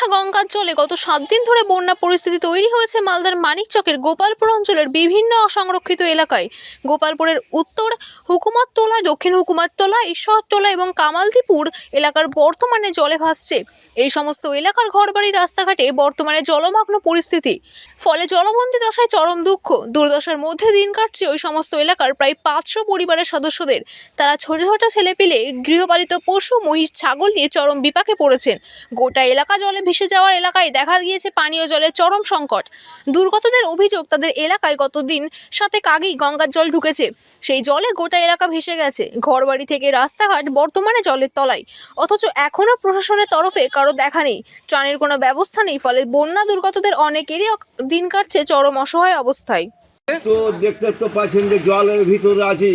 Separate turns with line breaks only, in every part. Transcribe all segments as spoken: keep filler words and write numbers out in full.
ওঠা গঙ্গার জলে গত সাত দিন ধরে বন্যা পরিস্থিতি তৈরি হয়েছে মালদার মানিকচকের গোপালপুর অঞ্চলের বিভিন্ন অসংরক্ষিত এলাকায়। গোপালপুরের উত্তর হুকুমতটোলা, দক্ষিণ হুকুমতটোলা, ঈশ্বরটোলা এবং কামালদীপুর এলাকার বর্তমানে জলে ভাসছে। এই সমস্ত এলাকার ঘরবাড়ি, রাস্তাঘাটে বর্তমানে জলমগ্ন পরিস্থিতি, ফলে জলবন্দী দশায় চরম দুঃখ দুর্দশার মধ্যে দিন কাটছে ওই সমস্ত এলাকার প্রায় পাঁচশো পরিবারের সদস্যদের। তারা ছোট ছোট ছেলেপিলে, গৃহপালিত পশু, মহিষ, ছাগল নিয়ে চরম বিপাকে পড়েছেন। গোটা এলাকা জলে ভেসে যাওয়ার এলাকায় দেখা গিয়েছে পানীয় জলের চরম সংকট। দুর্গতদের অভিযোগ, তাদের এলাকায় গতদিন সাতেক আগেই গঙ্গার জল ঢুকেছে, সেই জলে গোটা এলাকা ভেসে গেছে। ঘরবাড়ি থেকে রাস্তাঘাট বর্তমানে জলের তলায়, অথচ এখনো প্রশাসনের তরফে কারো দেখা নেই, ত্রাণের কোনো ব্যবস্থা নেই। ফলে বন্যা দুর্গতদের অনেকেরই দিন কাটছে চরম অসহায় অবস্থায়।
তো দেখতে তো পাচ্ছেন যে জলের ভিতরে আছি,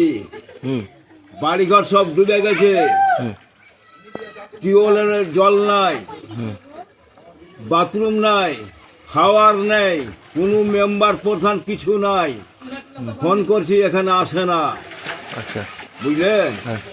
বাড়িঘর সব ডুবে গেছে, টিউবওয়েলের জল নাই, বাথরুম নাই, খাওয়ার নেই, কোনো মেম্বার প্রধান কিছু নাই। ফোন করছি, এখানে আসে না।
আচ্ছা,
বুঝলেন,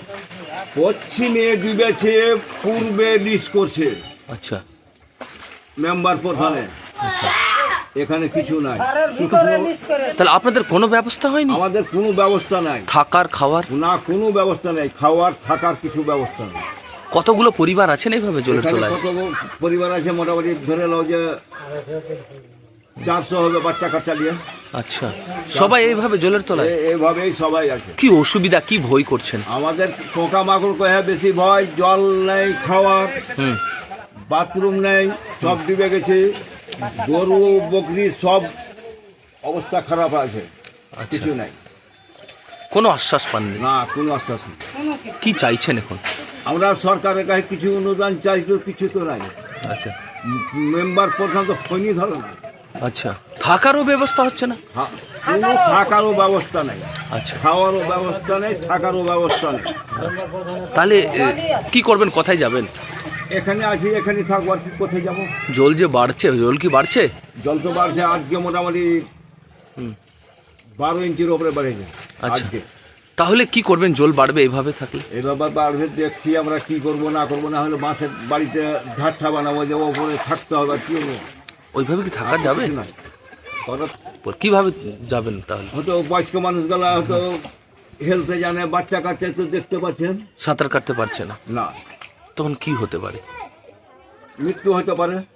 পশ্চিমে ডুবেছে, পূর্বে লিস্ট করছে।
আচ্ছা,
মেম্বার প্রধানে
আচ্ছা,
এখানে কিছু নাই।
তাহলে আপনাদের কোনো ব্যবস্থা হয়নি?
আমাদের কোনো ব্যবস্থা নাই,
থাকার খাওয়ার
না কোনো ব্যবস্থা নেই, খাওয়ার থাকার কিছু ব্যবস্থা নেই।
কতগুলো পরিবার আছেন এইভাবে জলের
এখানে
তলায়?
কত পরিবার আছে, মোটামুটি ধরে নাও যে চারশো হবে বাচ্চা কাচ্চা নিয়ে।
আচ্ছা, সবাই এইভাবে জলের তলায়?
এ- এইভাবেই সবাই আছে।
কি অসুবিধা, কি ভয় করছেন?
আমাদের পোকা মাকড় কহে বেশি ভয়, জল নেই, খাওয়ার,
হুম,
বাথরুম নেই, সব ডুবে গেছে। গরু বকরি সব অবস্থা খারাপ আছে,
আচ্ছা,
কিছু নাই,
কোনো আশ্বাস পাননি?
না কোনো আশ্বাস নেই।
কি চাইছেন এখন?
আমরা সরকারের কাছে কিছু অনুদান চাই, তো কিছু তো নাই।
আচ্ছা,
মেম্বার প্রধান তো ফোনই ধরে না।
আচ্ছা, থাকারও ব্যবস্থা হচ্ছে না?
থা- কোনো থাকারও ব্যবস্থা নেই,
আচ্ছা,
খাওয়ারও ব্যবস্থা নেই, থাকারও ব্যবস্থা নেই।
তাহলে এ, কি করবেন, কোথায় যাবেন?
এখানে আছি, এখানে থাকবো, আর কি কোথায় যাবো?
জল যে বাড়ছে, জল কি বাড়ছে?
জল তো বাড়ছে, আজকে মোটামুটি বারো ইঞ্চির ওপরে বেড়েছে
আচ্ছা,
আজকে।
তাহলে কি করবেন জল বাড়বে এইভাবে থাকলে?
এবার বাড়বে, দেখছি আমরা কি করব না করবো, না হলে বাঁশের বাড়িতে ঝাড়টা বানাবো, যে ওপরে থাকতে হবে। আর কি হবো,
ওইভাবে কি থাকা যাবে?
কিছু নাই। করার
কিভাবে যাবেন তাহলে?
হয়তো বয়স্ক মানুষগুলা হয়তো হেলতে জানে, বাচ্চা কাচ্চা তো দেখতে পাচ্ছেন
সাঁতার কাটতে পারছে না,
না,
তখন কি হতে পারে?
মৃত্যু হতে পারে।